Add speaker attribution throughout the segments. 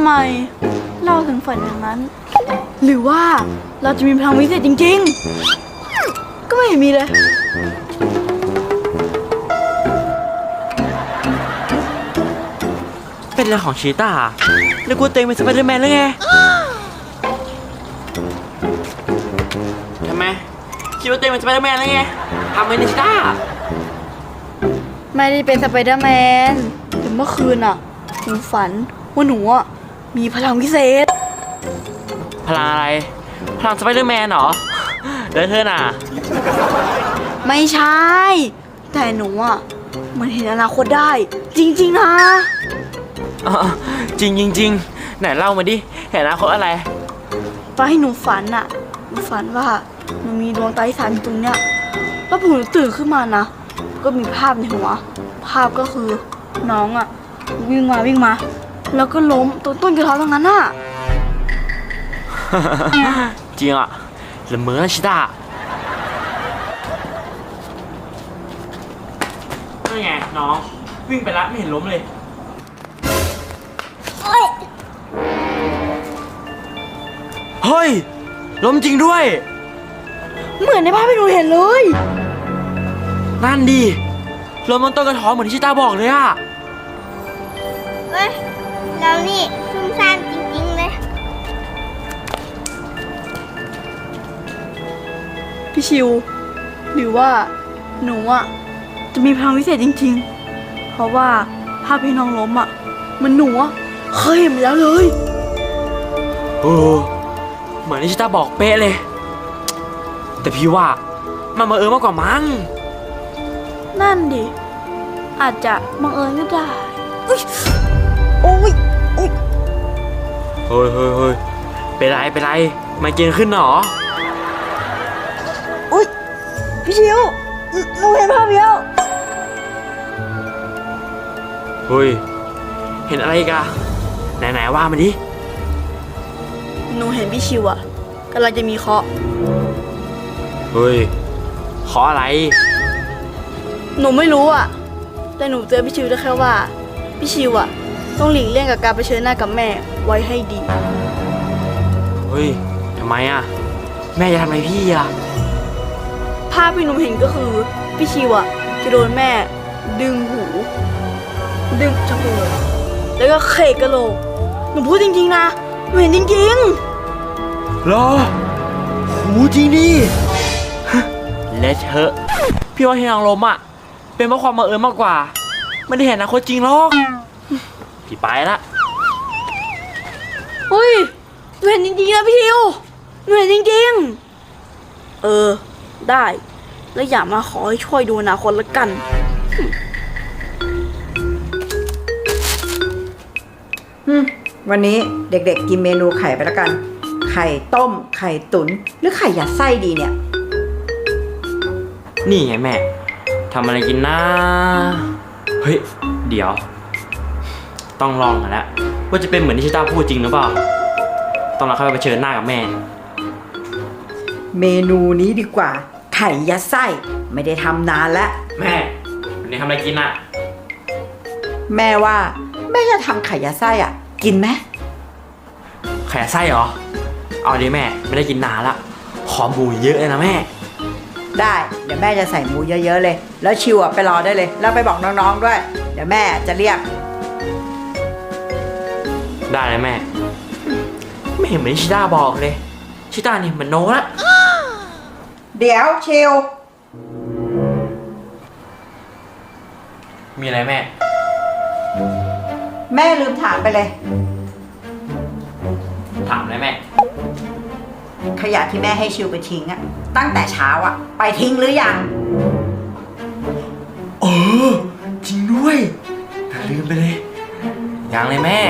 Speaker 1: ไมเราถึงฝันอย่างนั้น หรือว่าเราจะมีพลังวิเศษจริงๆก็ไม่เห็นมีเลย
Speaker 2: เป็นเรื่องของชีต้าแล้วกูเต็งเป็นสไปเดอร์แมนหรือไงทำไมคิดว่าเต็งเป็นสไปเดอร์แมนหรือไงทำไมเนี่ยชีต้า
Speaker 1: ไม่ได้เป็นสไปเดอร์แมนแต่เมื่อคืนอ่ะหนูฝันว่าหนูอ่ะมีพลังวิเศษ
Speaker 2: พลังอะไรพลังสไปเดอร์แมนเหรอแล้วเธอน่ะ
Speaker 1: ไม่ใช่แต่หนูอ่ะมันเห็นอนาคตได้จริงๆนะ
Speaker 2: จริงจริงไหนเล่ามาดิเห็นอนาคตอะไร
Speaker 1: ตอนให้หนูฝันอ่ะหนูฝันว่าหนูมีดวงตาที่สามอยู่ตรงเนี้ยแล้วพอหนูตื่นขึ้นมานะก็มีภาพในหัวภาพก็คือน้องอ่ะวิ่งมาแล้วก็ล้มต้นกระท้อนตรงนั้นอ่ะ
Speaker 2: จริงอ่ะละเมอชิต้านั่นไงน้องวิ่งไปแล้วไม่เห็นล้มเลยเฮ้ยล้มจริงด้วย
Speaker 1: เหมือนในภาพที่หนูเห็นเลย
Speaker 2: นั่นดิล้มบนต้นกระท้อนเหมือนที่ชิต้าบอกเลยอ่ะ
Speaker 3: เว้ยเรานี่ซุ่มซ่ามจริงๆเลย
Speaker 1: พี่ชิวหรือว่าหนูอ่ะจะมีพลังวิเศษจริงๆเพราะว่าภาพพี่น้องล้มอ่ะมันหนูอ่ะเคยเห็นมาแล้วเลย
Speaker 2: เหมือนที่ชิต้าบอกเป๊ะเลยแต่พี่ว่ามันบังเอิญมากกว่ามั้ง
Speaker 1: นั่นดิอาจจะบังเอิญก็ได้โอ้ย
Speaker 2: เฮ้ยเป็นไรไม่เกินขึ้นหรอ
Speaker 1: อุ้ยพี่ชิวหนูเห็นภาพเดียว
Speaker 2: เฮ้ยเห็นอะไรอีกอะไหนว่ามาดิ
Speaker 1: หนูเห็นพี่ชิวอะกำลังจะมีเคราะห์
Speaker 2: เฮ้ยเคราะห์อะไร
Speaker 1: หนูไม่รู้อะแต่หนูเจอพี่ชิวได้แค่ว่าพี่ชิวอะต้องหลีกเลี่ยงกับการเผชิญหน้ากับแม่ไว้ให้ดี
Speaker 2: เฮ้ยทำไมอะแม่จะทำอะไรพี่อะ
Speaker 1: ภาพที่หนูเห็นก็คือพี่ชิวอะจะโดนแม่ดึงหูดึงจมูกแล้วก็เขกกะโหลกหนูพูดจริงๆนะหนูเห็นจริง
Speaker 2: ๆเหรอหูจริงดิและเธอพี่ว่าที่นางลมอะเป็นเพราะความบังเอิญมากกว่าไม่ได้เห็นอนาคตจริงหรอกพี่ไปละ
Speaker 1: เฮ้ยหนูเห็นจริงๆนะพี่ชิวหนูเห็นจริงๆได้แล้วอย่ามาขอให้ช่วยดูอนาคตละกัน
Speaker 4: วันนี้เด็กๆกินเมนูไข่ไปแล้วกันไข่ต้มไข่ตุ๋นหรือไข่ยัดไส้ดีเนี่ย
Speaker 2: นี่ไงแม่ทำอะไรกินนะเฮ้ยเดี๋ยวต้องลองกันแล้วว่าจะเป็นเหมือนที่ชิต้าพูดจริงหรือเปล่าต้องเราเข้าไปเผชิญหน้ากับแม่
Speaker 4: เมนูนี้ดีกว่าไข่ยัดไส้ไม่ได้ทำนานแล้ว
Speaker 2: แม่วันนี้ทำอะไรกินอ่ะ
Speaker 4: แม่ว่าแม่จะทำไข่ยัดไส้อ่ะกินไหม
Speaker 2: ไข่ยัดไส้เหรอเอาดิแม่ไม่ได้กินนานละขอหมูเยอะเลยนะแม่
Speaker 4: ได้เดี๋ยวแม่จะใส่หมูเยอะๆเลยแล้วชิวอ่ะไปรอได้เลยแล้วไปบอกน้องๆด้วยเดี๋ยวแม่จะเรียก
Speaker 2: ได้เลยแม่ไม่เห็นเหมือนชิต้าบอกเลยชิต้านี่มันโน้ละ
Speaker 4: เดี๋ยวชิว
Speaker 2: มีอะไรแม่
Speaker 4: แม่ลืมถามไปเลย
Speaker 2: ถามเลยแม่
Speaker 4: ขยะที่แม่ให้ชิวไปทิ้งอะตั้งแต่เช้าอะไปทิ้งหรือยัง
Speaker 2: จริงด้วยลืมไปเลยยังเลยแม่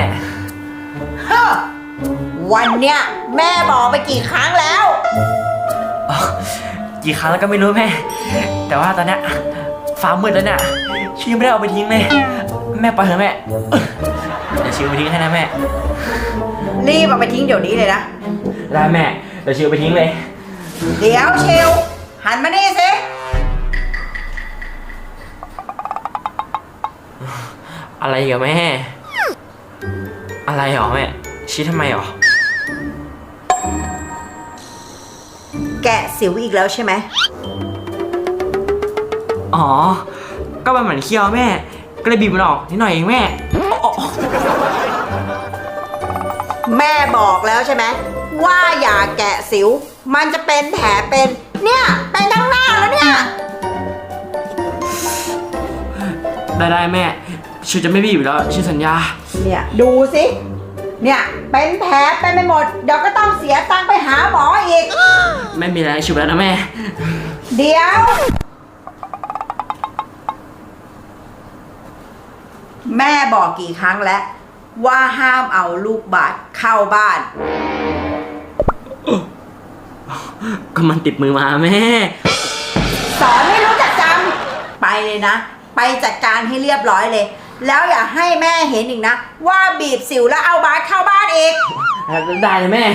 Speaker 4: วันเนี้ยแม่บอกไปกี่ครั้งแล้ว
Speaker 2: กี่ครั้งแล้วก็ไม่รู้แม่แต่ว่าตอนเนี้ยฟ้ามืดแล้วเนี่ยชิวไม่ได้เอาไปทิ้งเลยแม่ปล่อยเถอะแม่เดี๋ยวชิวไปทิ้งให้นะแม่
Speaker 4: รีบเอาไปทิ้งเดี๋ยวนี้เลยนะ
Speaker 2: ได้แม่เดี๋ยวชิวไปทิ้งเลย
Speaker 4: เดี๋ยวชิวหันมานี่สิ
Speaker 2: อะไรกับแม่อะไรหรอแม่ชี้ทำไมหรอ
Speaker 4: แกะสิวอีกแล้วใช่ไหม
Speaker 2: อ๋อ ก็มันเหมือนเคี้ยวแม่ ก็เลยบีบมันออกนิดหน่อยเองแม่อ๋อ
Speaker 4: แม่บอกแล้วใช่ไหมว่าอย่าแกะสิว มันจะเป็นแผลเป็น เนี่ยเป็นทั้งหน้าแล้วเนี่ย
Speaker 2: ได้แม่ชิวจะไม่บีบแล้วชิวสัญญา
Speaker 4: เนี่ยดูสิเนี่ยเป็นแผลเป็นไปหมด เดี๋ยวก็ต้องเสียตังค์ไปหาหมออีก
Speaker 2: ไม่มีอะไรชิวแล้วนะแม่
Speaker 4: เดี๋ยว แม่บอกกี่ครั้งแล้วว่าห้ามเอาลูกบาศก์เข้าบ้าน
Speaker 2: ก็มันติดมือมาแม่
Speaker 4: สอนไม่รู้จักจำไปเลยนะ ไปจัดการให้เรียบร้อยเลย แล้วอย่าให้แม่เห็นอีกนะ ว่าบีบสิวแล้วเอาบาสเข้าบ้านอีก
Speaker 2: ได้เลยแม่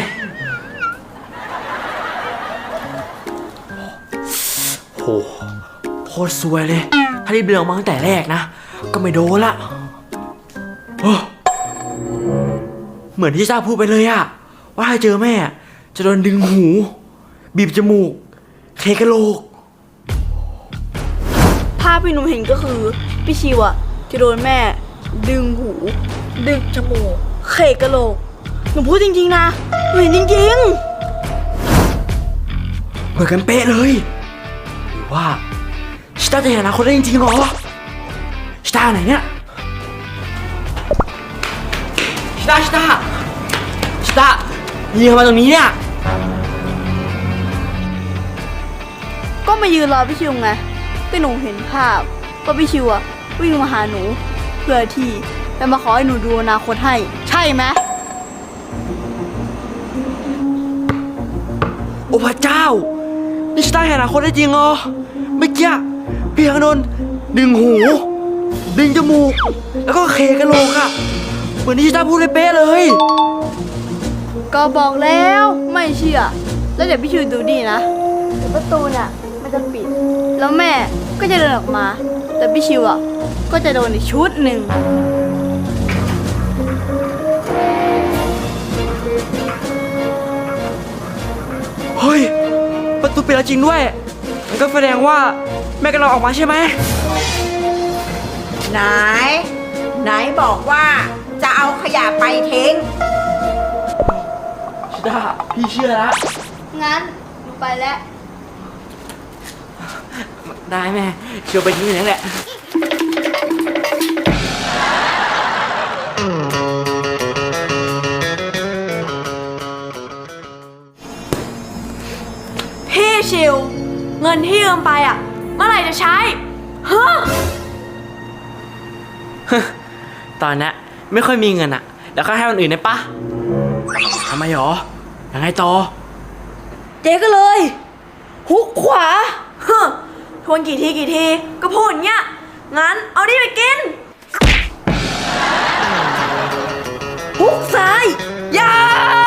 Speaker 2: โหโคตรซวยเลย ถ้ารีบเลือกมาตั้งแต่แรกนะ ก็ไม่โดนละโอ้เหมือนที่จ้าพูดไปเลยอะว่าถ้าเจอแม่จะโดนดึงหู บีบจมูก เคกะโหลก
Speaker 1: ภาพที่หนูเห็นก็คือพี่ชิวอะจะโดนแม่ ดึงหู ดึงจมูกเขกกะโหลกหนูพูดจริงๆนะหนูเห็นจริง
Speaker 2: เหมือนกันเป๊ะเลยหรือว่าชิต้าจะเห็นอนาคตได้จริงๆเหรอชิต้าไหนเนี่ยชิต้ายืนทำไมตรงนี้เนี่ย
Speaker 1: ๆ ก็มายืนรอพี่ชิวไงก็หนูเห็นภาพว่าพี่ชิวอะวิ่งมาหาหนู เพื่อที่จะมาขอให้หนูดูอนาคตให้ ใช่ไหม
Speaker 2: โอ้พระเจ้านี่ชิต้าเห็นอนาคตได้จริงเหรอเมื่อกี้พี่ยังโดนดึงหู ดึงจมูก แล้วก็เคกะโหลกอะเหมือนที่ชิต้าพูดเลยเป๊ะเลย
Speaker 1: ก็บอกแล้วไม่เชื่อ แล้วเดี๋ยวพี่ชิวดูดีนะเดี๋ยวประตูเนี่ยมันจะปิด แล้วแม่ก็จะเดินออกมา แต่พี่ชิวอ่ะก็จะโดนอีกชุดหนึ่ง
Speaker 2: เฮ้ยประตูปิดแล้วจริงด้วยมันก็แสดงว่าแม่กำลังออกมาใช่ไหม
Speaker 4: ไหนบอกว่าจะเอาขยะไปทิ้ง
Speaker 2: ชิต้าพี่เชื่อแล้ว
Speaker 1: งั้นหนูไปแล้ว
Speaker 2: ได้แม่เชื่อไปที่นี่แหละ
Speaker 1: พี่ชิว เงินที่ยืมไปอ่ะ เมื่อไหร่จะใช้ฮะ
Speaker 2: ตอนนี้ไม่ค่อยมีเงินอะเดี๋ยวก็ให้คนอื่นได้ปะทำไมหรอยังไงต่อ
Speaker 1: เจ๊ก็เลย ฮุกขวาฮะทวนกี่ทีก็พูดอย่างเงี้ย งั้นเอาดิไปกิน ฮุกซ้ายยา